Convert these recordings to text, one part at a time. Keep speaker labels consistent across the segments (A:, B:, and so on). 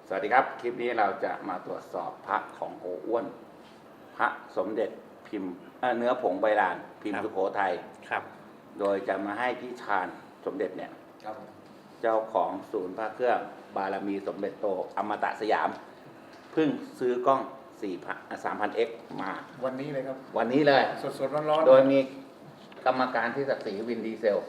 A: สวัสดีครับคลิปนี้เราจะมาตรวจสอบพระของโกอ้วนพระสมเด็จพิมพ์เนื้อผงใบลานพิมพ์สุโขทัย
B: ครับ
A: โดยจะมาให้พี่ชาญสมเด็จเนี่ย
C: ครับ
A: เจ้าของศูนย์พระเครื่องบารมีสมเด็จโตอมตะสยามเพิ่งซื้อกล้อง3,000x มา
C: วันนี้เลยครับ
A: วันนี้เลย
C: สดร้อนๆ
A: โดยมีกรรมการที่ศักดิ์ศรีวินดีเซล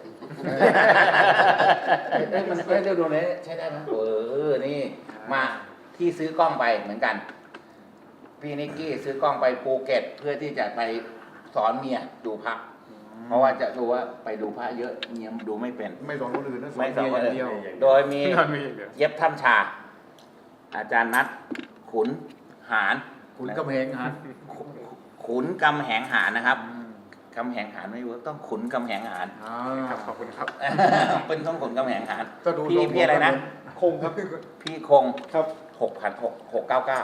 A: มันไม่ได้ดูเลยใช้ได้ไหมนี่มาที่ซื้อกล้องไปเหมือนกัน พี่นิกกี้ซื้อกล้องไปภูเก็ตเพื่อที่จะไปสอนเมียดูพระเพราะว่าจะดูว่าไปดูพระเยอะเมียดูไม่เป็น
C: ไม่สอนคนอื่นนะ
A: ไม่สอน
C: เมียอย่างเดียว
A: โดยมีเย็บถ้ำชา อาจารย์นัทขุนหาร
C: ขุนกำแพงหัน
A: ขุนกำแหงหารนะครับกำแหงหารไม่รู้ต้องขุนกำแหงหาร
C: ครับขอบคุณครับ
A: เป็นต้องขุนกำแหงหาร
C: ก็ดู
A: พี่อะไรนะ
C: คงครับ
A: พี่คง
C: ครับ
A: 6,699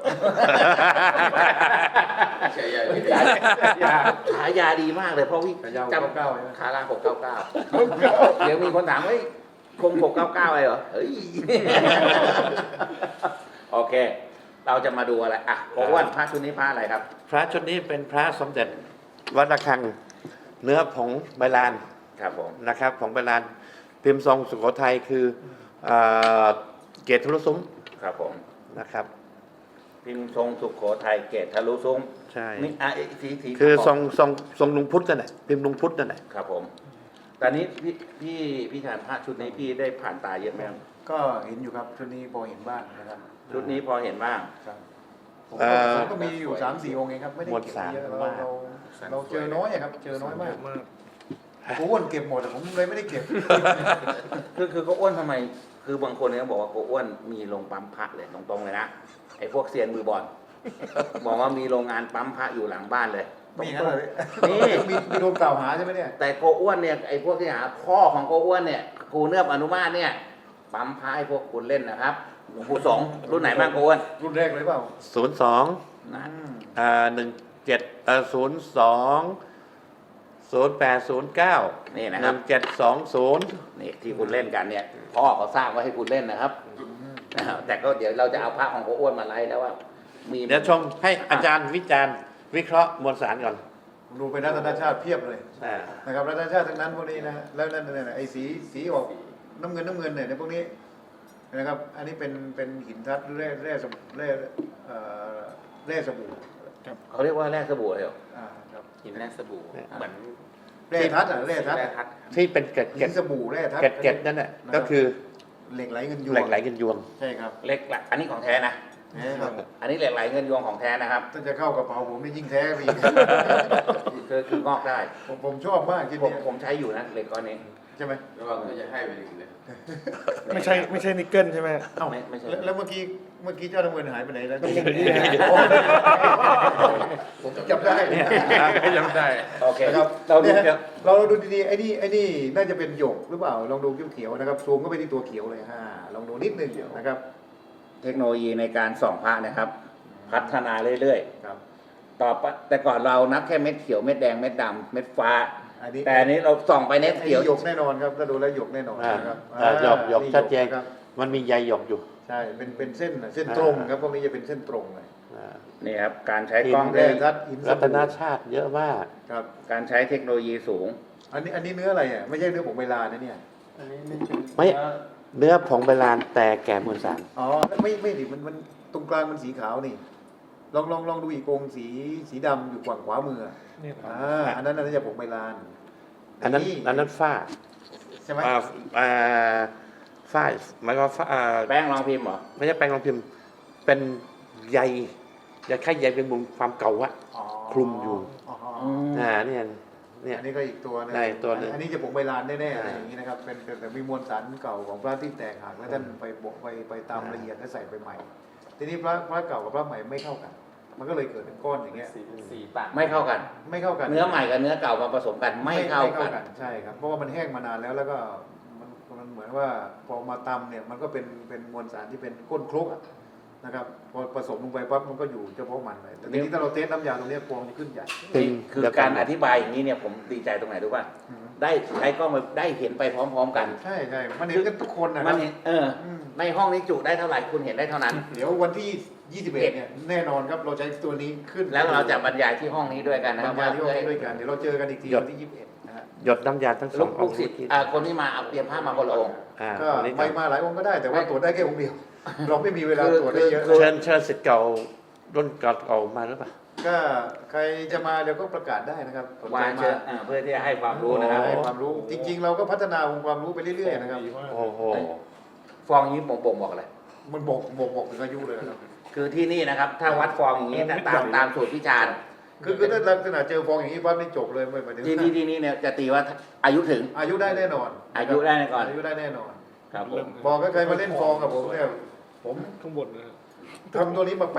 A: ฉายาดีมากเลยเพราะวิ
C: ฉายา
A: จำ
C: 699ใช่ไหม
A: คารา699เดี๋ยวมีคนถามเฮ้ยคง699เลยเหรอเฮ้ยโอเค เราจะมาดูอะไรอ่ะโกอ้วนพระชุดนี้พระอะไรครับ
B: พระชุดนี้เป็นพระสมเด็จวัดระฆัง เนื้อผงใบลาน
A: ครับผม
B: นะครับผงใบลานพิมพ์ทรงสุโขทัยคือเกศทะลุซุ้ม
A: ครับผม
B: นะครับ
A: พิมพ์ทรงสุโขทัยเกตทะลุซุ้ม
B: ใช่
A: นี่สี
B: คือทรงลุงพุทธนั่นแหละพิมพ์ลุงพุทธนั่นแหละ
A: ครับผมตอนนี้พี่ชานพระชุดนี้พี่ได้ผ่านตาเยอะไหมครับ
C: ก็เห็นอยู่ครับชุดนี้พอเห็นบ้างนะครับ
A: ชุดนี้พอเห็นบ้าง
C: ครับผมก็มีอยู่3-4 องค์เองครับไม่ได้เก็บเยอะเราเจอน้อยอะครับเจอน้อยมากผมอ้วนเก็บหมดแต่ผมเลยไม่ได้เก็บ
A: คือเขาอ้วนทำไม คือบางคนเนี่ยบอกว่าเขาอ้วนมีโรงปั๊มพระเลยตรงๆเลยนะไอ้พวกเซียนมือบอลบอกว่ามีโรงงานปั๊มพระอยู่หลังบ้านเลย
C: มีอย่างนั้นเลย
A: นี่
C: มีโดนกล่าวหาใช่ไหมเนี่ย
A: แต่โกอ้วนเนี่ยไอ้พวกที่หาพ่อของโกอ้วนเนี่ยครูเนือบอนุมาตเนี่ยปั๊มพระให้พวกคุณเล่นนะครับหลวงปู่สงฆ์รุ่นไหนบ้างโกอ้วน
C: รุ่นแรกเลยเปล่า
B: 02
A: นะ
B: 17 02 0809
A: นี่นะครับ
B: 1720
A: นี่ที่คุณเล่นกันเนี่ยพ่อเขาสร้างไว้ให้คุณเล่นนะครับแต่ก็เดี๋ยวเราจะเอาพระของโกอ้วนมาไล่แล้วว่ามี
B: เดี๋ยวชมให้อาจารย์วิจารณ์วิเคราะห์มวลสารก่อน
C: ผมดูเป็นรัตนชาติเพียบเลย
B: อ่า
C: นะครับรัตนชาติทั้งนั้นพวกนี้นะแล้วนั่นไอ้สีออกน้ำเงินเนี่ยในพวกนี้นะครับอันนี้เป็นหินทัดแร่สบู่
A: เขาเรียกว่าแร่สบู่เลยเหรอ
C: ครับ
D: หินแร่สบู่เหมือน
C: แร่ทัดแร่ทัด
D: แร่ทัด
B: ที่เป็นเกล็ด
C: หินสบู่แร่ทัด
B: เกล็ดนั่นแหละก็คือ
C: เหล็กไหลเงินยวง
B: เหล็กไหลกันยวง
C: ใช่ครับ
A: เหล็กไหลอันนี้ของแท้นะ
C: นะครับ
A: อันนี้เหล็กไหลเงินยวงของแท้นะครับ
C: ถ้าจะเข้ากระเป๋าผมนี่ยิ่งแท้ไปอีก
A: คืองอกได้
C: ผมชอบมากที่
A: ผม
C: นี้
A: ผมใช้อยู่นะเหล็กก้อนนี้
C: ใช่ไหม
D: ระวังจะให้ไปถึงเลย
E: ไม่ใช่นิกเกิลใช่ไหม
C: เอ้า
A: ไม่ใช่
C: แล้วเมื่อกี้เจ้าน้ำเงินหายไปไหนแล้ว ผมจับได้
D: จำได้
A: โอเค
C: นะครับ
A: เราดู
C: เนี่ย
A: เดี๋ยว
C: เราดูดีๆไอ้นี่น่าจะเป็นหยกหรือเปล่าลองดูเขียวๆนะครับซูมก็ไปที่ตัวเขียวเลยลองดูนิดนึงนะครับ
A: เทคโนโลยีในการส่องพระนะครับ พัฒนาเรื่อย
C: ครับ
A: ๆต่อไปแต่ก่อนเรานับแค่เม็ดเขียวเม็ดแดงเม็ดดำเม็ดฟ้า
C: อันนี้
A: แต่อันนี้เราส่องไปเม็ด
C: ไอ้
A: เขียว
C: หยกแน่นอนครับถ้าดูแล้วหยกแน่นอนนะครับ
B: หยกชัดเจน
C: ครับ
B: มันมีใยหยกอยู่
C: ใช่เป็นเส้นตรงครับพวกนี้จะเป็นเส้นตรงเลย
B: อ่า
A: นี่ครับการใช้กล้อง
C: แร่
A: ได้
C: ทัดหินส
B: รัต
C: บู่
B: นชาติเยอะมาก
C: ครับ
A: การใช้เทคโนโลยีสูง
C: อันนี้เนื้ออะไรอ่ะไม่ใช่เนื้อผงเวลานะเนี่ย
D: อันนี้ไม่เป็น
B: ไม่ เนื้อผงใบลานแต่แก่มวลสาร
C: อ๋อไม่ดิมันตรงกลางมันสีขาวนี่ลองดูอีกองค์สีดำอยู่ฝั่งขวามืออ่ะ
E: นี่ครับ
C: อันนั้นน่าจะผงเวลา
B: อันนั้นฝ้า
C: ใช่ไหม
B: ฝ้าหมายความว่าฝ้า
A: แป้งรองพิมพ์เหรอ
B: ไม่ใช่แปลงรองพิมพ์ เป็นใยแค่ใยเป็นมุมความเก่าอะ
C: อ๋อ
B: คลุมอยู่
C: อ๋อ
B: เนี่ย
C: อันนี้ก็อีกตัวนึง
B: ได้ตัวหนึ่ง
C: อันนี้จะผงเวลาแน่ๆอะไรอย่างนี้นะครับเป็นแต่มีมวลสารเก่าของพระที่แตกหักแล้วท่านไปตามละเอียดแล้วใส่ไปใหม่ ทีนี้พระเก่ากับพระใหม่ไม่เข้ากัน มันก็เลยเกิดเป็นก้อนอย่างเงี้ย
D: สีต่าง
A: ไม่เข้ากัน
C: ไม่เข้ากัน
A: เนื้อใหม่กับเนื้อเก่ามาผสมกันไม่เข้ากัน
C: ใช่ครับเพราะว่ามันแห้งมานานแล้วก็มันเหมือนว่าพอมาตำเนี่ยมันก็เป็นมวลสารที่เป็นก้นคลุกอะนะครับพอผสมลงไปปั๊บมันก็อยู่เฉพาะมันเลยแต่ทีนี้ถ้าเราเทสน้ำยาตรงเนี้ยฟองจะขึ้นใหญ่
A: คือการอธิบายอย่างนี้เนี่ยผมดีใจตรงไหนรู้ป่ะได้ใช้กล้องได้เห็นไปพร้อมๆกัน
C: ใช่ใช่มันเห็นกันทุกคนนะค
A: มั
C: รั
A: น
C: บ
A: เห็นในห้องนี้จุได้เท่าไหร่คุณเห็นได้เท่านั้น
C: เดี๋ยววันที่ 21 เนี่ยแน่นอนครับเราใช้ตัวนี้ขึ้น
A: แล้วเราจะบรรยายที่ห้องนี้ด้วยกันนะ
C: บ
A: ค
C: ร
A: รับ
C: รยาย
A: ว่า
C: ที่ห้องนี้ด้วยกันเดี๋ยวเราเจอกันอีกที
B: หยด
C: วันที่ 21 นะฮะ
B: หยดน้ำยาทั้งส
A: ลู
B: อง
A: กศิษย์คนที่มาเอาเตรียมผ้ามาคนละองค์
C: ก็ไม่มาหลายองค์ก็ได้แต่ว่าตรวจได้แค่องค์เดียว เราไม่มีเวลาตรวจได้เยอะ
B: เชิญสิทธิ์เก่ารุ่นเก่ามาหรือเปล่า
C: ก็ใครจะมาเดี๋ยวก็ประกาศได้นะครับสนใจ
A: มาเชิญเพื่อที่จะให้ความรู้นะครับ
C: ให้ความรู้ จริง ๆ เราก็พัฒนาองค์ความรู้ไปเรื่อยๆนะครับ
B: โอ้โห
A: ฟองนี้ผมบอกอะไร
C: มันบอกถึงอายุเลยนะครับ
A: คือที่นี่นะครับ ถ้าวัดฟองอย่างนี้ตามสูตรพิจารณ์
C: คือถ้าลักษณะเจอฟองอย่างนี้ปั๊บนี่จบเลยไม่หมายถึง
A: ที่นี่เนี่ยจะตีว่าอายุถึง
C: อายุได้แน่นอน
A: อายุได้ก่อน
C: อายุได้แน่นอน
A: ครับผม
C: บอกก็ใครมาเล่นฟองกับผมเนี่ยผม
E: ข้างบนนะ
C: ทำตัวนี้มา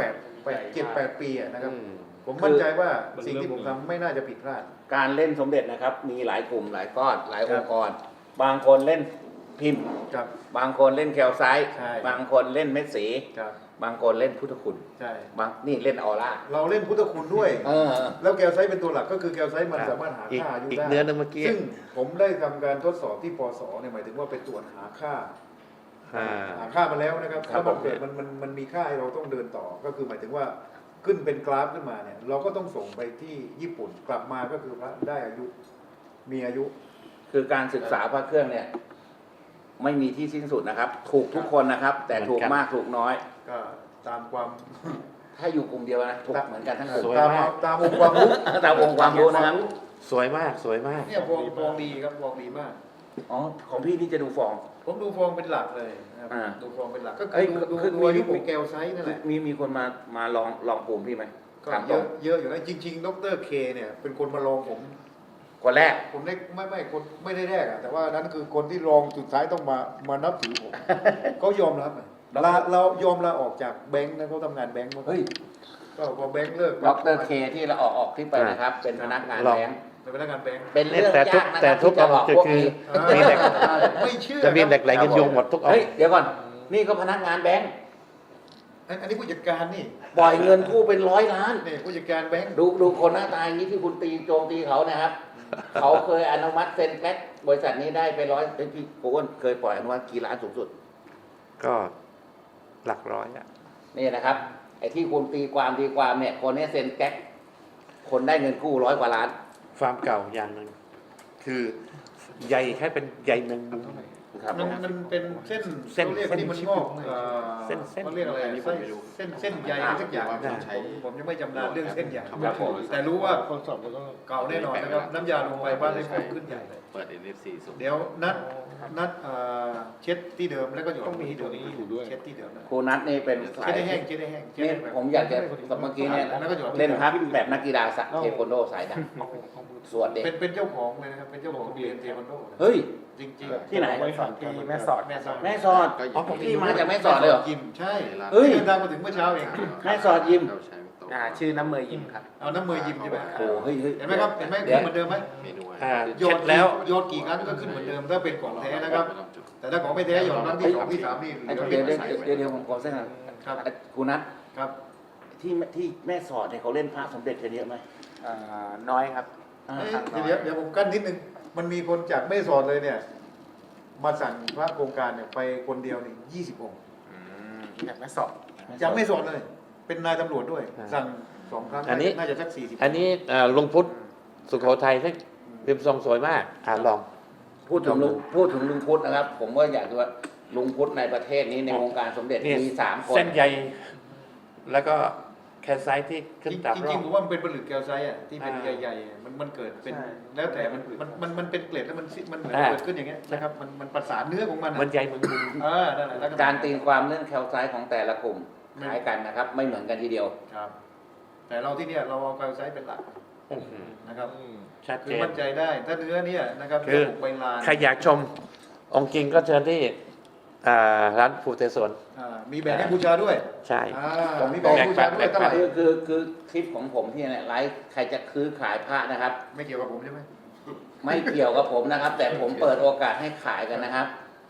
C: 7-8 ปีอะนะครับ ผมมั่นใจว่าสิ่งที่ผมทำไม่น่าจะผิดพลาด
A: การเล่นสมเด็จนะครับ มีหลายกลุ่มหลายก้อนหลายองค์กร บางคนเล่นพิมพ์
C: ครับ
A: บางคนเล่นแคลไซต์
C: ใช่
A: บางคนเล่นเม็ดสี
C: ครับ
A: บางคนเล่นพุทธคุณ
C: ใช่
A: บางนี่เล่นออร่า
C: เราเล่นพุทธคุณด้วย
A: เออ
C: แล้วแกลไซต์เป็นตัวหลักก็คือแกลไซต์มันสามารถหาค่าอายุ
B: อีก
C: ได้
B: เนื้อนึงเมื่อกี้
C: ซึ่งผมได้ทำการทดสอบที่ปสเนี่ยหมายถึงว่าไปตรวจหาค่า หาค่ามาแล้วนะครับ
A: ครับ
C: ถ้ามันเกิดมันมีค่าให้เราต้องเดินต่อ ก็คือหมายถึงว่าขึ้นเป็นกราฟขึ้นมาเนี่ย เราก็ต้องส่งไปที่ญี่ปุ่นกลับมาก็คือพระได้อายุมีอายุ
A: คือการศึกษาพระเครื่องเนี่ย ไม่มีที่สิ้นสุดนะครับ ถูกทุกคนนะครับ แต่ถูกมากถูกน้อย
C: ก็ตามความ
A: ถ้าอยู่กลุ่มเดียวนะถูกเหมือนกันทั้งกลุ่ม
B: สวย
C: ตาม
B: มาก
C: ตามองค์ความรู้
A: ตามองค์ความรู้นะครับ
B: สวยมากสวยมาก
C: เนี่ยฟองดีครับฟองดีมาก
A: อ๋อของพี่นี่จะดูฟอง
C: ผมดูฟองเป็นหลักเลยนะครับ
A: อ่า
C: ดูฟองเป็นหลักก็
A: เอ้
C: คื
A: ย
C: อดู
A: คือ
C: ดูอายุ
A: มี
C: ของแกลไซต์นั่นแหละ
A: มีคนมาลองภูมิพี่ไหม
C: ก็
A: ถาม
C: เย
A: ตร
C: อะ
A: ง
C: เยอะอยู่นะจริง ๆ ดรเคเนี่ยเป็นคนมาลองผม
A: คนแรก
C: ผมได้ไม่คนไม่ได้แรกอะแต่ว่านั้นคือคนที่ลองสุดท้ายต้องมานับถือผม เขายอมรับอะเรายอมลาออกจากแบงค์นะเขาทำงานแบงค์มาก่อน
A: เฮ้ย
C: ก็พอแบงค์เลิก
A: ดรเคที่เราออกคลิปไปนะครับ เป็นพนักงาน
B: ลอง
A: แบงค์
C: เป็นพนักงานแบงค์
A: เป็นเรื่อง
B: แต่ทุก
A: ยากนะค
B: แต่
A: รับ
B: ทุก
A: ที่จะหลอก
B: จุด
A: พวก
B: คือ
A: นี้
B: มีเหล็ก
C: ไม่เชื่อ
B: จะมีเหล็ก
C: ครับ
B: ไหลกันโยงหมดทุกอง
A: เฮ้ย
B: ค์
A: เดี๋ยวก่อน นี่ก็พนักงานแบงค์
C: อันนี้ผู้จัดการนี่
A: ปล่อยเงินกู้เป็น100 ล้าน
C: นี่ผู้จัดการแบงค์
A: ดูคนหน้าตาอย่างนี้ที่คุณโจมตีเขานะครับ เขาเคยอนุมัติเซ็นแพ็คบริษัทนี้ได้ไปพี่โอ้นเคยปล่อยอนุมัติกี่ล้านสูงสุด
B: ก็หลักร้อยอะ
A: นี่นะครับ ไอ้ที่คุณตีความเนี่ย คนนี้เซ็นแพ็คคนได้เงินกู้100 กว่าล้าน
B: ฟาร์มเก่าอย่างหนึ่งคือใหญ่แค่เป็นใหญ่หนึ่ง
A: ครับ
C: มันเป็นเส้น
B: เส้น
C: เขาเรียกที่มันงอก
B: เส้น
C: เขาเรียกอะไรเส้นใยอะไรสักอย่าง
B: อ่า
C: ผมยังไม่จำนานเรื่องเส้นใย
A: ครับผม
C: แต่รู้ว่า
E: คนสอบแล้วก็
C: เก่าแน่นอนนะครับน้ำยาลงไปบ้านได้ฟองขึ้นใหญ่เลย
D: เปิด NFC ส่ง
C: เดี๋ยวนัดเช็ดที่เดิมแล้วก็หยอด
E: ต้องมี
C: ที่เดิม
E: ตัวนี้อยู่ด้วย
C: เช็ดที่เดิมนะ
A: ครูนัทนี่เป็นสา
C: เช็ด
A: ย
C: ได้แห้งเช็ดได้แห้งเช็ด
A: นี่
C: ได้แบบ
A: ผมอยากจะเมื่อกี้เนี่ยเล่นพับแบบนักกีฬาสักเทควันโดสายดังสวดเด็ก
C: เป็นเจ้าของเลยนะครับเป็นเจ้าของโรงเรียนเทควันโดนะ
A: เฮ้ย
C: จริง
A: ที่ไหน
E: ไว้สอนที่แม่สอด
C: ๆแม่สอด
A: แม่สอด
D: ก็
A: พี่มาจากแม่สอดเลยเหรอ
C: ยิมใช่
A: เฮ้ย
C: เดินทางมาถึงเมื่อเช้าเอง
A: แม่สอดยิม
D: เราใช้โต๊ะ
F: ชื่อน้ำเมยยิมครับ
C: เอาน้ำมือยิมใช่ไหม
A: โอ้เฮ้ย
C: เห็นไหมครับเห็นไหม
A: เดี๋ยว
C: เหมือนเดิมไหม
D: เมนู
B: อ่า
C: โย
B: เช็
C: น
B: ดแล้ว
C: โยนกี่ครั้งก็ขึ้นเหมือนเดิมถ้าเป็นของแท้นะครับ แต่ถ้าของไม่แท้โยนครั้งที่สองที่สามนี่เห
A: ไอ้
C: ลือ
A: เดี๋ยว
C: ใส่ไว้
A: เดี๋ยวผมขอเส้นหน่อย
C: ครับ
A: ครูนัท
C: ครับ
A: ที่แม่สอดเนี่ยเขาเล่นพระสมเด็จกันเยอะไหม
F: น้อยครับ
A: อ่า
C: เอ้ยเดี๋ยวผมกั้นนิดนึงมันมีคนจากไม่สอนเลยเนี่ย มาสั่งพระโครงการเนี่ยไปคนเดียวนี่20 องค์
F: อยากแม่สอด
C: จากไม่สอนเลย เป็นนายตำรวจด้วย
B: อ่า
C: สั่ง2 ครั้ง
B: อันนี้
C: น่าจะสัก40
B: อันนี้ลุงพุทธสุโขทัยที่พิมพ์ทรงสวยมากลอง
A: พูดถึงลุงพุทธนะครับ ผมก็อยากดูว่าลุงพุทธในประเทศนี้ในวงการสมเด็จ
B: นี่
A: มี3 คน
B: เส้นใหญ่แล้วก็แคนไซต์ที่ขึ้นตาม
C: จ
B: รอ
C: ริง
B: บ
C: ๆผมว่ามันเป็นผลึกแก้วไซส์อ่ะที่เป็น
B: อ่า
C: ใหญ่ๆมันเกิดเป็น
F: ใช่
C: แล้วแต่มันเป็นเกล็ดแล้วมันเหมือน
B: อ่า
C: เกิดขึ้นอย่างเงี้ยนะครับมันประสานเนื้อของมัน
B: มัน
C: อะ
B: ใหญ่เหมือนมุม
C: นั่นแหละแล้ว
A: การตีความเรื่องแคลไซต์ของแต่ละกลุ่มคล้ายกันนะครับ ไม่เหมือนกันทีเดียว
C: ครับ แต่เราที่เนี่ยเราเอาแก้วไซส์เป็นหลัก
B: อื้อหือ
C: นะครับ
B: ชัด
C: คื
B: เจ
C: อน มั่นใจได้ถ้าเนื้อเนี่ยนะครับ
B: คือ
C: เนื้อบุกใบลาน
B: ใครอยากชมองค์จริงก็เชิญที่ร้านฟูเตสวน
C: มีแบ่งให้บูชาด้วย
B: ใช่
C: มีแบ่งให้บูชาด้วยเท่าไหร่
A: คือคลิปของผมที่เนี่ยไลฟ์ใครจะซื้อขายพระนะครับ
C: ไม่เกี่ยวกับผมใช่ไหม
A: ไม่เกี่ยวกับผมนะครับ แต่ผมเปิดโอกาสให้ขายกันนะครับ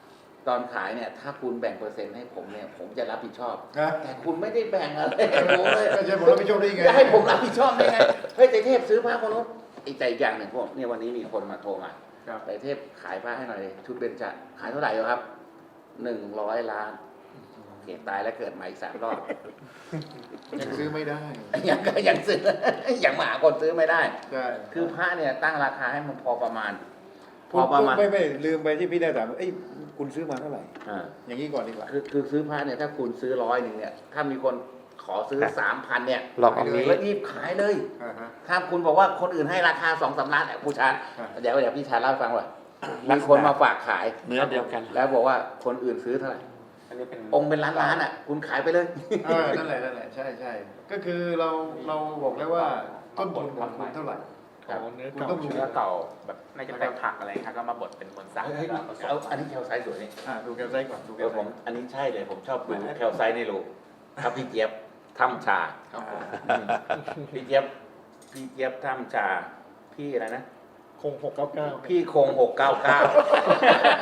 A: ตอนขายเนี่ย ถ้าคุณแบ่งเปอร์เซ็นต์ให้ผมเนี่ย ผมจะรับผิดชอบ
C: นะ
A: แต่คุณไม่ได้แบ่งอะไรให้ผมเลย
C: ก็จะผมรับผิดชอบได้ยังไง
A: จะให้ผมรับผิดชอบได้ไงเฮ้ยไตรเทพซื้อผ้าคนนู้นอีกใจอีกอย่างหนึ่งพวกเนี่ยวันนี้มีคนมาโทรมา
C: ครับ
A: ไตรเทพขายผ้าให้หน่อยดิชุดเบญจขายเท่าไหร่ครับ100 ล้านโอเคตายแล้วเกิดใหม่อีก3 รอบ
C: ยังซื้อไม่ได้
A: ยังซื้อ ยังมาหาคนซื้อไม่ได้
C: ใช่
A: คือพระเนี่ยตั้งราคาให้มันพอประมาณ พ
C: คุณ
A: อประมาณ
C: ไม่ลืมไปที่พี่ได้ถามว่าเอ้ยคุณซื้อมาเท่าไหร่
A: อ่า
C: อย่างนี้ก่อนดีกว่า
A: คือซื้อพระเนี่ยถ้าคุณซื้อ100เนี่ย ถ้ามีคนขอซื้อ 3,000เนี่ย
B: ลองเอานี้
A: แล้วรีบขายเลย
C: อ่าฮะ
A: ถ้าคุณบอกว่าคนอื่นให้ราคา2-3 ล้านผู้ชาน
C: อ่า
A: เดี๋ยวพี่ชานเล่าให้ฟังว่ามีคนมาฝากขาย
B: เนื้อเดียวกัน
A: แล้วบอกว่าคนอื่นซื้อเท่าไหร่
F: อันนี้เป็น
A: องค์เป็นล้านๆอ่ะ คุณขายไปเลย
C: นั่นแหละใช่ก็คือเราบอกแล้วว่าต้นทุนของคุณเท่าไหร่
A: ครับ
E: เนื้อ
C: คุณ
E: เก่า
C: ต้องดู
F: เนื้อเก่าแบบน่าจะเป็นผักอะไรครับก็มาบดเป็นมวลสาร
A: เฮ้ย
F: แล้วผส
A: เอา
F: ม
A: อันนี้แคลไซส์สวยนี่
C: ดูแกลไซต์ก่อนดูแกล
A: ผม อันนี้ใช่เลย ผมชอบดูแคลไซส์ในโลครับพี่เจี๊ยบทำชา
C: ครับผม
A: พี่เจี๊ยบทำชา พี่อะไรนะ
E: คง699
A: พี่คง699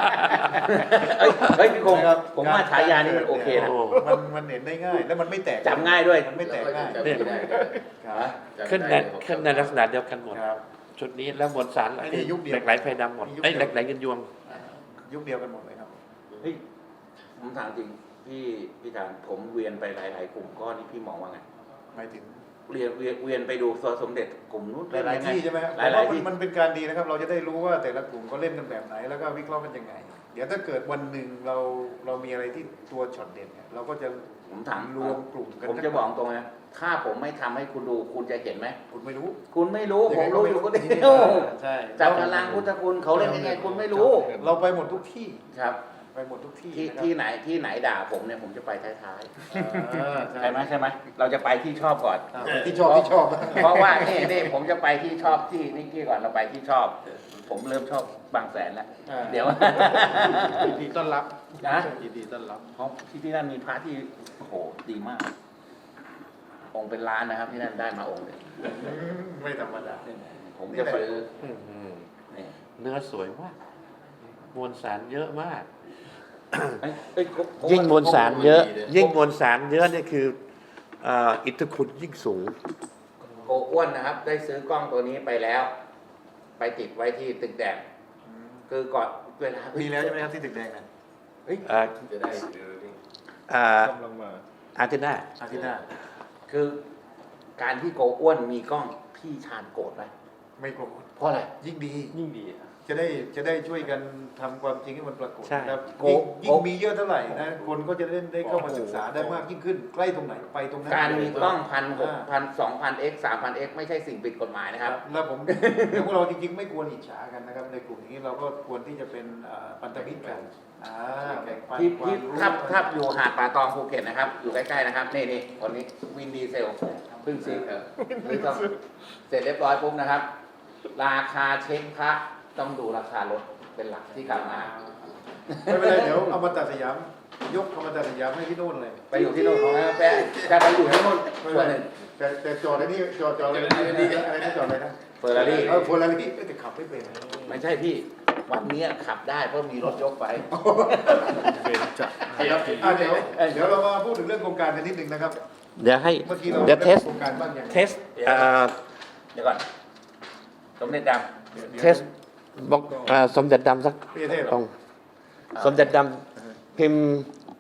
A: เฮ้ยพี่คงผมว่าฉายานี่มันโอเคนะ
B: โอ้
C: มันเห็นได้ง่าย แล้วมันไม่แตก
A: จำง่ายด้วย
C: มันไม่แตกง่าย
B: เนี่ย
C: ครับ
B: ขึ้นในลักษณะเดียวกันหมด
C: ครับ
B: ชุดนี้แล้วมวลสาร
C: อันนี้ยุคเดียว
B: เหล็กไหลไฟดำหมด
C: ยุคเดียว
B: ไอ้ยเหล็กไหลเงินยวง
C: ยุคเดียวกันหมดเลยครับ
A: เฮ้ยผมถามจริงพี่การผมเวียนไปหลายๆกลุ่มก้อนนี่พี่มองว่าไง
C: หมายถึง
A: เวียนไปดูตัวสมเด็จกลุ่มนู้น
C: หลายๆที่ใช่ไหมครับ
A: หลายๆที่
C: มันเป็นการดีนะครับ เราจะได้รู้ว่าแต่ละกลุ่มเขาเล่นกันแบบไหน แล้วก็วิเคราะห์กันยังไง เดี๋ยวถ้าเกิดวันหนึ่งเรามีอะไรที่ตัวช็อตเด่นเนี่ยเราก็จะ
A: ผมถาม
C: รวมกลุ่มกัน
A: ผมจะบอกตรงนะถ้าผมไม่ทำให้คุณดูคุณจะเห็นไหม
C: คุณไม่รู้
A: คุณไม่รู้ผมรู้อยู่คนเดียว
C: ใช่
A: จากพลังพุทธคุณเขาเล่นยังไงคุณไม่รู้
C: เราไปหมดทุกที่
A: ครับ
C: ไปหมดทุกที่
A: ที่
C: นะครับ
A: ที่ไหนด่าผมเนี่ยผมจะไปท้าย
C: ใช่
A: ๆใช่ไหมเราจะไปที่ชอบก่อน
C: ที่ชอบที่ชอบ
A: เพราะว่านี่ผมจะไปที่ชอบที่นิกกี้ก่อนเราไปที่ชอบ ผมเริ่มชอบบางแสนแล้ว เดี๋ยว
E: ยินดีต้อนรับ
A: นะ
E: ยินดีต้อนรับ
A: เพราะที่นั่นมีพระที่โอ้โหดีมาก องค์เป็นล้านนะครับ ที่นั่นได้มาองค์เลย
C: ไม่ธรรมดา
A: ผมจะซื้อ
B: อืม
A: นี่
B: เนื้อสวยมากมวลสารเยอะมาก
A: เอ้ย
B: ยิ่งมวลสารเยอะ ยิ่งมวลสารเยอะเนี่ยคืออิทธิคุณยิ่งสูง
A: โกอ้วนนะครับ ได้ซื้อกล้องตัวนี้ไปแล้ว ไปติดไว้ที่ตึกแดงคือก่อนเวลา
C: มีแล้วใช่ไหมครับที่ตึกแดงนะ
B: อ่า
D: จะได้หรือนี่
E: กำลังมา
B: อาร์เจน่า
C: อาทิตย์หน้า
A: คือการที่โกอ้วนมีกล้องพี่ชาญโกรธไหม
C: ไม่โกรธ
A: เพราะอะไร
C: ยิ่งดี
F: ยิ่งดีครับ
C: จะได้ช่วยกันทำความจริงให้มันปรากฏ
B: ใช่
C: นะครับ
A: โก
C: ยิ่งมีเยอะเท่าไหร่นะคนก็จะได้เข้ามาศึกษาได้มากยิ่งขึ้น ใกล้ตรงไหนไปตรงนั้น
A: การมีกล้อง
C: า
A: 1,600 2,000x 3,000x ไม่ใช่สิ่งผิดกฎหมายนะครับ
C: แล้วผม พวกเราจริงๆ ไม่ควรอิจฉากันนะครับ ในกลุ่มอย่างนี้เราก็ควรที่จะเป็นพันธมิตรกันแบ่งปัน
A: ที่
C: ความรู้
A: ถ้าอยู่หาดป่าตองภูเก็ตนะครับ อยู่ใกล้ๆนะครับ นี่คนนี้วินดีเซลเพิ่งซื้อหรือต้องเสร็จเรียบร้อยปุ๊บนะครับ ราคาเช็คพระต้องดูราคารถเป็นหลักที่กลับมา
C: ไม่เป็นไรเดี๋ยวเอามาตัดสยามยกเอามาตัดสยามให้ที่โน่นเลย
A: ไปอยู่ที่โน่นของนะแป๊ะจะไปอยู่ที่โน่น
C: ไม่
A: ส่
C: เป็
A: วน
C: น
A: ห
C: ไร
A: นึ่ง
C: แต่จอดไอ้นี่จอดอะไรนะจอดอะไรนะ
A: เฟอร์รารี่
C: เฟอร์รารี่แต่ขับไม่เป็น
A: ไม่ใช่พี่ วันนี้ขับได้เพราะมีรถยกไป
E: เบนจะ
C: เดี๋ยวเรามาพูดถึงเรื่องโครงการกันนิดนึงนะครับ
B: เดี๋ยวให้
C: เมื่อกี้เรา
B: เดี๋ยวเทส
C: โครงการบ้างยัง
B: เทส
A: เดี๋ยวก่อนสมเด็จด
B: เทสบอกสมเด็จดำสัก
C: พี่เทพ
B: ตรงสมเด็จดำพิมพ์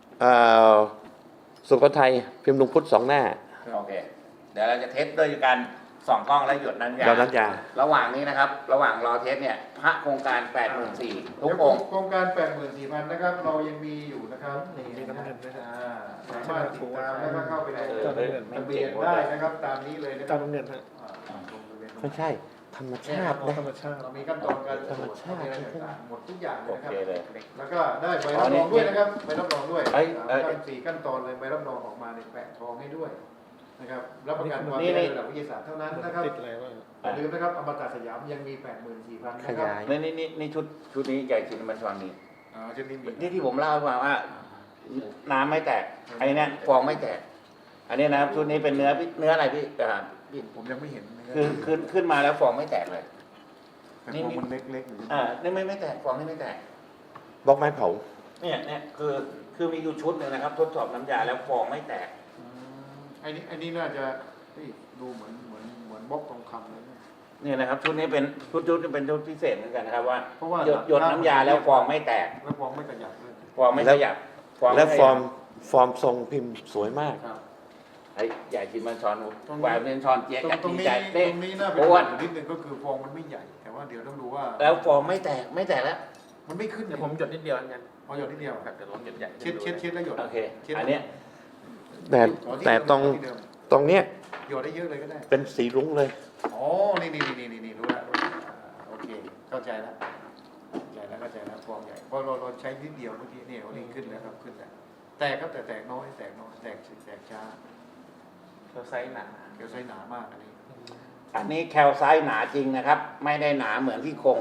B: สุโขทัยพิมพ์ลุงพุทธ2 หน้า
A: ำโอเค เดี๋ยวเราจะเทสด้วยกันส่องกล้องและหยดน้ำยา
B: หยดน้ำยา
A: ระหว่างนี้นะครับ ระหว่างรอเทสเนี่ย พระโครงการ 84,000ทุกองค์
C: โครงการ 84,000 นะครับ เรายังมีอยู่นะครับนี่
E: มีน้ำเงินด้วยนะ
C: สามารถติดตามแล้วก็เข้าไปใน
E: เจ้าน้ำเงิน
C: ทะเบียนได้นะครับตามนี้เลยนะค
E: เจ้า
C: รับ
E: น้ำเงินฮะ
B: ไม่ใช่ ธรรมชาติ
E: เอา
B: นะ
E: ธรรมชาติ
C: เรามีขั้นตอนการ
B: ธรรมชาติ
C: อะไรต่างๆหมดทุกอย่างเล
A: โอย
C: นะค
A: เครับ เลย
C: แล้วก็ได้ใบรับรองด้วยนะครับใบรับรองด้วย
A: เอ้ย
C: สี่ขั้นตอนเลยใบรับรองออกมาในแปะทองให้ด้วยนะครับรับประกันความ
A: นี่
C: เป็นระดับวิทยาศาสตร์เท่านั้นนะครับ
E: ติดอะไรบ้าง
C: อย่าลืมนะครับอมตะสยามยังมี 84,000 นะ
B: ข
C: ครับ
B: ยาย
A: นี่ชุดนี้ใหญ่จริงมันฟังนี้
C: ชุดนี้มี
A: นี่ที่ผมเล่าให้ฟังว่า น้ำไม่แตกไอ้เนี่ยฟองไม่แตก อันนี้นะครับชุดนี้เป็นเนื้ออะไรพี่พี่
C: ผมยังไม่เห็นนะครั
A: คือขึ้นมาแล้วฟองไม่แตกเลย
C: แต่ผมมันเล็กๆอยู่
A: นี่ไม่แตกฟองนี่ไม่แตก
B: บล็อกไม้เผา
A: เนี่ยคือมีอยู่ชุดหนึ่งนะครับ ทดสอบน้ำยาแล้วฟองไม่แตก
C: ไอ้นี่น่าจะเฮ้ยดูเหมือนบล็อกทองคำเลยนะ
A: นี่นะครับชุดนี้เป็นชุดนี้เป็นชุดพิเศษเหมือนกันนะครับว่า
C: เพราะว่า
A: หยดน้ำยาแล้วฟองไม่แตก
C: แล้วฟองไม่กระยับเลย
A: ฟองไม่ขยับ
B: และ
A: ไม่ข
B: ฟ
A: ยั
B: อบ ร์มทรงพิมพ์สวยมาก
C: ครับ
A: ไอ้ใหญ่กินมันช้อนหวานเป็นช้อนเจี๊ยบกัน
C: ตรง
A: ดี
C: นี้
A: ใจ
C: ต
A: เด้
C: รงนี้น่าเป็น
A: อ้
C: ห่
A: ว
C: วน งนิดนึงก็คือฟองมันไม่ใหญ่ แต่ว่าเดี๋ยวต้องดูว่า
A: แล้วฟองไม่แตกแล้ว
C: มันไม่ขึ้น
F: เดี๋ยวผมหยดนิดเดียวงั้น
C: เอาหยดนิดเดียว
F: แบบเดี๋ยวลองหยดใหญ่
C: เช็ดแล้วหยด
A: โอเค
C: ช็ด
A: อันเนี้ย
B: แต่ตรงเนี้ย
C: หยดได้เยอะเลยก็ได้
B: เป็นสีรุ้งเลย
C: อ๋อ นี่รู้แล้วโอเค เข้าใจแล้วฟองใหญ่เพราะเราใช้นิดเดียวเมื่อกี้เนี่ยวันนี้ขึ้นแล้วครับขึ้นแล้วแตกครับแต่แตกน้อยแตกช้า
F: เราไซส์หนา
C: เกี่ยวไส้หนามากอันนี้
A: อันนี้แคลไซต์หนาจริงนะครับ ไม่ได้หนาเหมือนที่โครง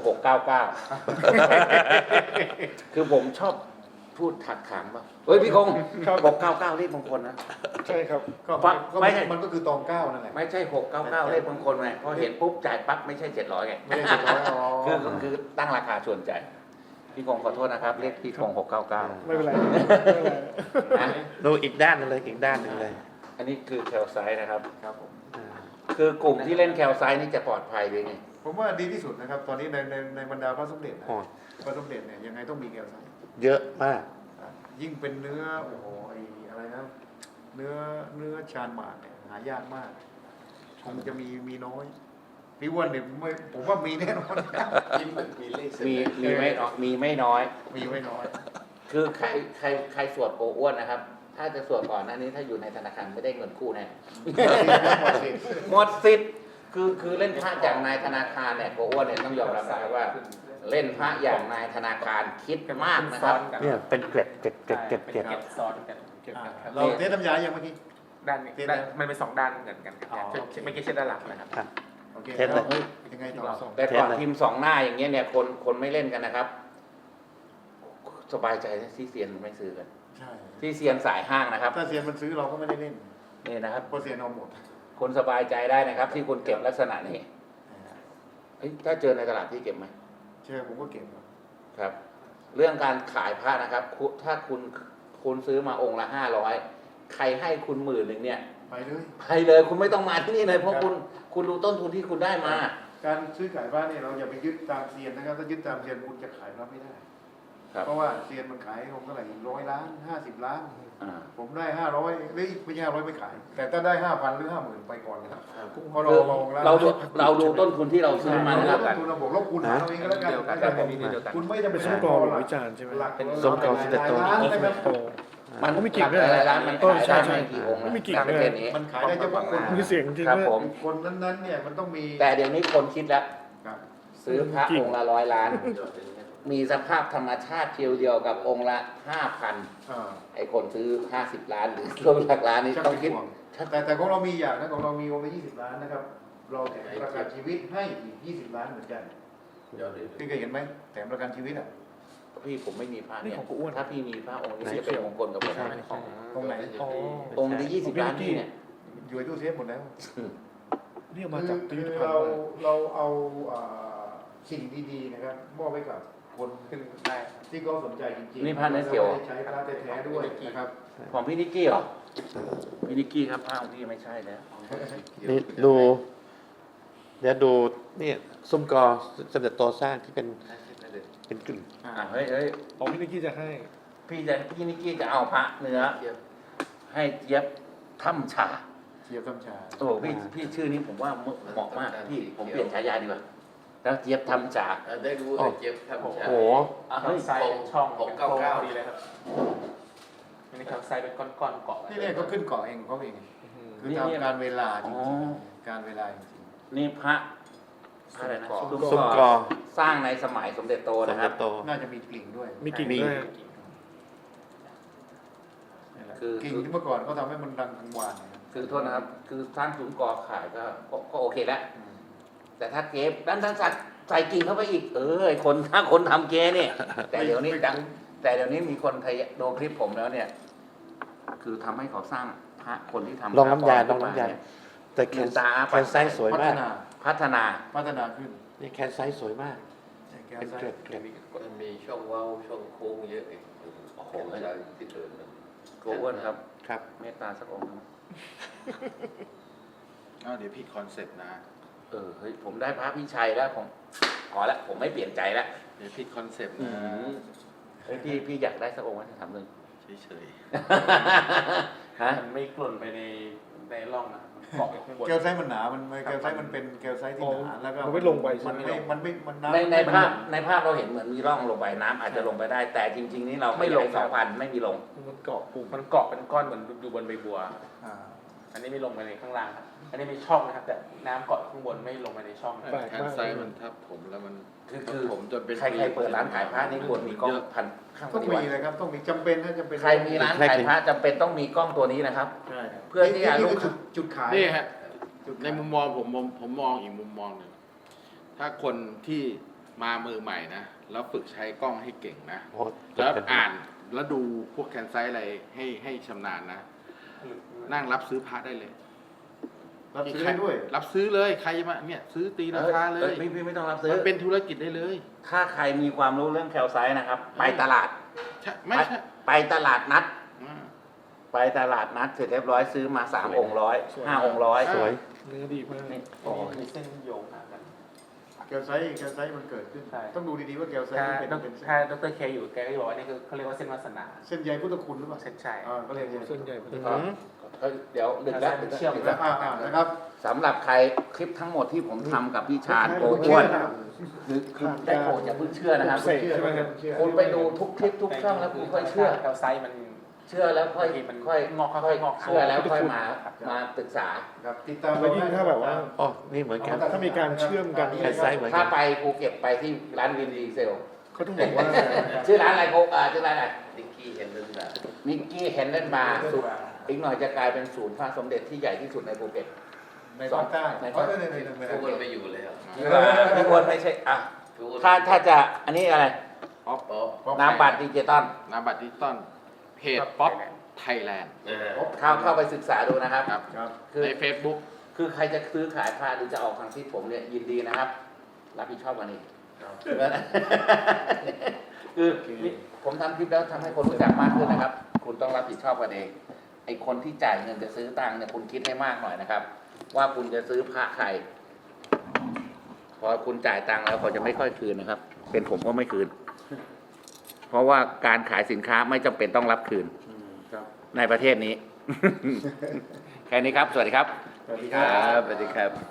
A: 699 คือผมชอบพูดถักถางป่ะเฮ้ยพี่คง699เลขมงคลนะ
E: ใช่ครับ
C: ก็
A: ฟัง
C: ก็
A: ไม่ใช่
C: มันก็คือตองเก้านั่นแหละ
A: ไม่ใช่699เลขมงคลไงพอเห็นปุ๊บจ่ายปั๊บไม่ใช่700ไง
C: ไม่ได้700อ๋อ
A: คือตั้งราคาชวนใจพี่คงขอโทษนะครับเลขพี่คง699
E: ไม่เป็นไรไม่เป็นไร
A: นะ
B: ดูอีกด้านหนึงเลยอีกด้านหนึ่งเลย
A: อันนี้คือแคลไซต์นะครับ
C: ครับผม
A: คือกลุ่มที่เล่นแคลไซต์นี่จะปลอดภัยเลยไง
C: ผมว่าดีที่สุดนะครับ ตอนนี้ในบรรดาพระสมเด็จนะ
B: อ๋อ
C: พระสมเด็จเนี่ยยังไงต้องมีแก้วใส
B: เยอะมาก
C: ยิ่งเป็นเนื้อโอ้โหไอ้อะไรนะเนื้อชานหมากเนี่ยหายากมากคงจะมีน้อยพี่อ้วนเนี่ยผมว่ามีแน่นอน
D: ยิ้มเหมือนมีเลข
A: มีไม่น้อยมีไม่น้อย
C: มีไม่น้อย
A: คือใครสวดโกอ้วนนะครับ ถ้าจะสวดก่อนหน้านี้ถ้าอยู่ในธนาคารไม่ได้เงินกู้แน่ หมดสิทธิ์คือเล่นพระอย่างนายธนาคารเนี่ยโกอ้วนเนี่ยต้องยอมรับนะครับว่า เล่นพระอย่างนายธนาคารคิดมากนะครับ
B: เนี่ยเป็นเกล็ดเกล็ดเกล็ดเกล็ดเกล็ด
F: เก็บซ้อนกัน
C: เราเทสน้ำยาอย่างเมื่อกี้
F: ด้านนี้มันเป็น2 ด้านเหมือนกัน
C: อ๋อ
F: ไม่อกี้เช็ดด้านหลังนะครับ
B: ครับ
C: โอเค
B: เทสเลย
C: แล้วยังไงต่อ
A: แต่ก่อนพิมพ์ 2 หน้าอย่างเงี้ยเนี่ยคนไม่เล่นกันนะครับ สบายใจนะที่เซียนไม่ซื้อกัน
C: ใช่
A: ที่เซียนสายห้างนะครับ
C: ถ้าเซียนมันซื้อเราก็ไม่ได้เล่น
A: นี่นะครับ
C: เพราะเซียนเอาหมด
A: คนสบายใจได้นะครับ ที่คุณเก็บลักษณะนี้เอ้ยถ้าเจอในตลาดที่เก็บไหม
C: เชื่อผมก็เก็บครับ
A: ครับ เรื่องการขายพระนะครับถ้าคุณซื้อมาองค์ละ500ใครให้คุณ10,000เนี่ย
C: ไปเลย
A: ไปเลยคุณไม่ต้องมาที่นี่เลยเพราะคุณรู้ต้นทุนที่คุณได้มา
C: การซื้อขายบ้านเนี่ยเราอย่าไปยึดตามเซียนนะครับถ้ายึดตามเซียนคุณจะขายรับไม่ได้
A: ครับ
C: เพราะว่าเซียนมันขายผมเท่าไหร่100 ล้าน50 ล้าน
A: อ่า
C: ผมได้500หรือไม่ใช่500ไม่ขาย แต่ถ้าได้ 5,000 หรือ 50,000 ไปก่อนนะครับเพราะเรามองแล้ว
A: เราดูต้นทุนที่เราซื้อมา
C: เรา
A: นะครับ
C: ต้นทุนเราบอกเราคูณหารเอาเองก็แล้วกัน
A: ครับผม
C: คุณไม่จำเป็น
E: ส้มกรอบหรือจานใช่ไหม
C: หลัก
B: ส้มกรอบที่จะโต
C: หลายล้านนะครับ
E: โต
A: มัน
E: ก็มีกิ่งด้วย
A: หลายร้านมัน
E: เออ
A: ขาย
E: ใช่
A: ได้ไม่กี่องค์
E: ไม่มีกิ่ง
A: ตาม
E: ด้วย
A: ประเทศนี้
C: มันขายได้เฉพาะคน
E: มีเสียงจริง
A: ครับ
E: ด้วย
A: ผม
C: คนนั้นๆเนี่ยมันต้องมี
A: แต่เดี๋ยวนี้คนคิดแล้ว
C: ครับ
A: ซื้อพระองค์ละ100 ล้าน มีสภาพธรรมชาติเดียวกับองค์ละ 5,000 ไอ้คนซื้อ50 ล้านหรือรวมหลักล้านนี่
C: ชัก
A: ต้อง
C: เป็น
A: คิด
C: ห่วงแต่ของเรามีอย่างนะของเรามีองค์ละ20 ล้านนะครับ เราแถมประกันชีวิตให้อีก20 ล้านเหมือนกันพี่เคยเห็นไหมแถมประกันชีวิตอ่ะ
A: พี่ผมไม่มีพระ
E: นี่
A: เนี่ย
E: ของกูอ้วน
A: ถ้าพี่มีพระองค์นี้จะเป็นมงคลกับผม
C: ใช่
A: นะ
C: ตรงไหน
E: อ๋อ
A: องค์ที่20 ล้านนี่เนี่ย
C: อยู่ในตู้เซฟหมดแล้ว
E: นี่เอามาจาก
C: คื
E: พิ
C: อ
E: พิธภัณ
C: เรา
E: ฑ์
C: เราเอาสิ่งดีๆนะครับมอบให้กับคน
F: ขึ้นได้
C: ที่เขาสนใจจริงๆ
A: นี่พระเนื้อเกี่ยว
C: ราไม่ได้ใช้พระแท้ๆด้วยนะครับ
A: ของพี่นิกกี้เหรอพี่นิกกี้ครับพระองค์นี้ไม่ใช่แล้ว
B: นี่ดู เดี๋ยวดูนี่ซุ้มกอสมเด็จโตสร้างที่เป็นกลิ่น
A: เฮ้ย
E: ของพี่นิกกี้จะให้
A: พี่นิกกี้จะเอาพระเนื้อให้เจี๊ยบถ้ำฉา
C: เทียบซ้ำชา
A: โอ้โหพี่ชื่อนี้ผมว่าเหมาะมากพี่ผมเปลี่ยนฉายาดีกว่าแล้วเจี๊ยบทำจาก
D: ได้รู้เจ็บทำ
B: โอ้
D: ฉา
B: โห
A: เฮ้ย
F: ไซส์ช่อง
D: ผม
F: เป็น
D: เก้า
F: โค้ง
D: เก้า
F: พอดีเลยครับอันนี้ครับไซส์เป็นก้อนๆเกาะ
C: นี่เนี่ยเขาขึ้นเกาะเองเขาเองคือตามการเวลาจริงๆการเวลาจริง
A: นี่พระอะไรนะ
B: ซุ้มกอ
A: สร้างในสมัยสมเด็จโต
B: สม
A: นะค
B: เด็
A: รับ
B: จโต
C: ๆน่าจะมีกลิ่งด้วย
E: มีกิ่งด้วย
A: คือ
C: กิ่งที่เมื่อก่อนเขาทำให้มันดังกังวานนะครับ
A: คือโทษนะครับ คือสร้างซุ้มกอขายก็โอเคแล้ว แต่ถ้าเก็บด้านสัตว์ใส่กิ่งเข้าไปอีกถ้าคนทำเกเนี่ย แต่เดี๋ยวนี้มีคนไทยดูคลิปผมแล้วเนี่ย คือทำให้เขาสร้างพระคนที่ทำ
B: ลองน้ำยา
A: พระ
B: ลองน้ำยา
A: เนี่ย
B: แต่แคนแคนไซส์สวย
C: พัฒ
B: มาก
C: นา
A: พัฒนา
C: พัฒนาขึ้น
B: นี่แคนไซส์สวยมาก
C: แก้
B: เป็น
C: ไส้
B: เกล็ดเกล็ด
D: มันมีช่องเว้าช่องโค้งเยอะอีก
A: อโอ้โห
D: ใช่ที่เดินมัน
A: โกอ้วนครับ
B: ครับ
A: เมตตาสักองค์นะ
G: เดี๋ยวผิดคอนเซ็ปต์นะ
A: เฮ้ยผมได้พระพี่ชัยแล้วผมพอละผมไม่เปลี่ยนใจแล้ว
G: เดี๋ยวผิดคอนเซ็ปต์
A: อื
G: นะ
A: มเฮ้ยพี่อยากได้สักองค์ไหมถามเลย
G: เฉย
A: ฮะ
F: มันไม่กล่นไปในร่องนะมันเกาะอยู่ข้างบน
C: แกลไซต์มันหนามันแกลไซต์มันเป็นแกลไซต์ที่หนาแล้วก็
E: มันไม่ลงไปใช่
C: มัน
E: ไหม
C: มันน้ำ
A: ในภาพเราเห็นเหมือนมีร่องลงไปน้ำอาจจะลงไปได้ แต่จริง ๆ นี่เราไม่ลง2,000ไม่มีลง
E: มันเกาะปุ่ม
F: มันเกาะเป็นก้อนเหมือนอยู่บนใบบัว
C: อ่า
F: อันนี้ไม่ลงไปในข้างล่างครับ อันนี้มีช่องนะครับ แต่น้ำเกาะข้างบนไม่ลงไปในช่อง
E: แปลก
G: ๆแคน
E: มาก
G: ไซส์มันทับผมแล้วมัน
A: คือ
G: ผมจนเป็น
A: ใครเปิดร้านขายพระนี่ควรมีกล้องพันข้างป
C: ต้อง
A: ฏิ
C: มี
A: วัติ
C: เลยครับต้องมีจำเป็นนะจำเป็น
A: ใครมีร้านขายพระจำเป็นต้องมีกล้องตัวนี้นะครับ
C: ใช่
A: เพื่อที่จะ
C: นี่
A: ลูก
C: คือจุดขาย
G: นี่ฮะ
C: จุดขาย
G: ในมุมมองผมมองอีกมุมมองหนึ่งถ้าคนที่มามือใหม่นะแล้วฝึกใช้กล้องให้เก่งนะ
B: โอ้
G: แล้วอ่านแล้วดูพวกแคนไซส์อะไรให้ชำนาญนะ นั่งรับซื้อพระได้เลย
C: รับซื้อได้ด้วย
G: รับซื้อเลยใครจะมาเนี่ยซื้อตีราคาเลย
A: พี่ไม่ต้องรับซื้อ
G: มันเป็นธุรกิจได้เลย
A: ถ้าใครมีความรู้เรื่องแคลไซต์นะครับ ไปตลาด
G: ใช่ไม่ใช่
A: ไปตลาดนัด
G: อ่า
A: ไปตลาดนัดเสร็จเรียบร้อยซื้อมา3 องค์ร้อย5 องค์ร้อย
B: สวย
E: เนื้อดีมาก
A: นี่
F: โอ้มีเส้นโยงหากัน
C: แกลไซต์มันเกิดขึ้น
F: ใช่
C: ต้องดูดีๆว่าแกลไซต์
F: ถ้า
C: มันเป็น
F: ถ้าดรเคอยู่แกก็จะบอกว่านี่คือเขาเรียกว่าเส้นวาสนา
C: เส้นใยพุทธคุณหรือเปล่า
F: เส้นชัย
C: ก็เรียก
E: ส่วนใหญ่มัน
B: อื
E: จะ
B: ม
A: ก็เดี๋ยวดึกแล้ว
F: เชื่อม
A: ดึก
C: แล้
A: แล้ว ว
C: นะครับ
A: สำหรับใครคลิปทั้งหมดที่ผมทำกับพี่ชาญโกอ้วนคือได้โปรดอย่าเพิ่งเชื่อนะครับ
E: เสกใช่ไหมครับ
A: คุณไปดูทุกคลิปทุกช่องแล้วคุณค่อยเชื่อ
F: แคลไซต์มัน
A: เชื่อแล้วค่อย
F: มัน
A: ค่อย
F: งอกค่อยๆงอก
A: เชื่อแล้วค่อยมาศึกษา
C: ครับติดตาม
E: แล้วยิ่งถ้าแบบว่า
B: อ๋อ นี่เหมือนกัน
E: ถ้ามีการเชื่อมกัน
B: แคนไซต์เหมือน
A: ถ้า
B: กัน
A: ไปภูเก็ตไปที่ร้านวินดีเซล
E: เขาต้องบอกว่า
A: ชื่อร้านอะไรโกชื่อร้านอะไร
D: นิกกี้เห็นเรื่องแบบ
A: นิกกี้เฮนเดนบาร์สุดอีกหน่อยจะกลายเป็นศูนย์พระสมเด็จที่ใหญ่ที่สุดในภูเก็ต
C: ในภาคใต้
A: ใน
C: เพ
A: ภา
C: ราะ
A: ค
C: ใน
D: ทุกคนไปอยู่เลยครับ
A: พี่อ้วนไม่ใช่อ่ะถ้าจะอันนี้อะไร
G: ป๊อป
A: น้ำบัตรดิจิตอล
G: นามบัตรดิจิตอลเพจป๊อปไทยแลนด์
A: เข้าไปศึกษาดูนะครับ
G: ครับ
C: ครับ
A: คือ
G: ใน Facebook
A: คือใครจะซื้อขายพาหรือจะออกทางที่ผมเนี่ยยินดีนะครับ รับผิดชอบกันเองคือนี่ผมทำคลิปแล้วทำให้คนรู้จักมากขึ้นนะครับ คุณต้องรับผิดชอบกันเองไอคนที่จ่ายเงินจะซื้อตังค์เนี่ยคุณคิดให้มากหน่อยนะครับ ว่าคุณจะซื้อพระใครพอคุณจ่ายตังค์แล้วเขาจะไม่ค่อยคืนนะครับ เป็นผมก็ไม่คืน เพราะว่าการขายสินค้าไม่จำเป็นต้องรับคืน
C: ครับ
A: ในประเทศนี้ แค่นี้ครับ สวัสดีครับ
C: สวัสดีครับ
A: สวัสดีครับ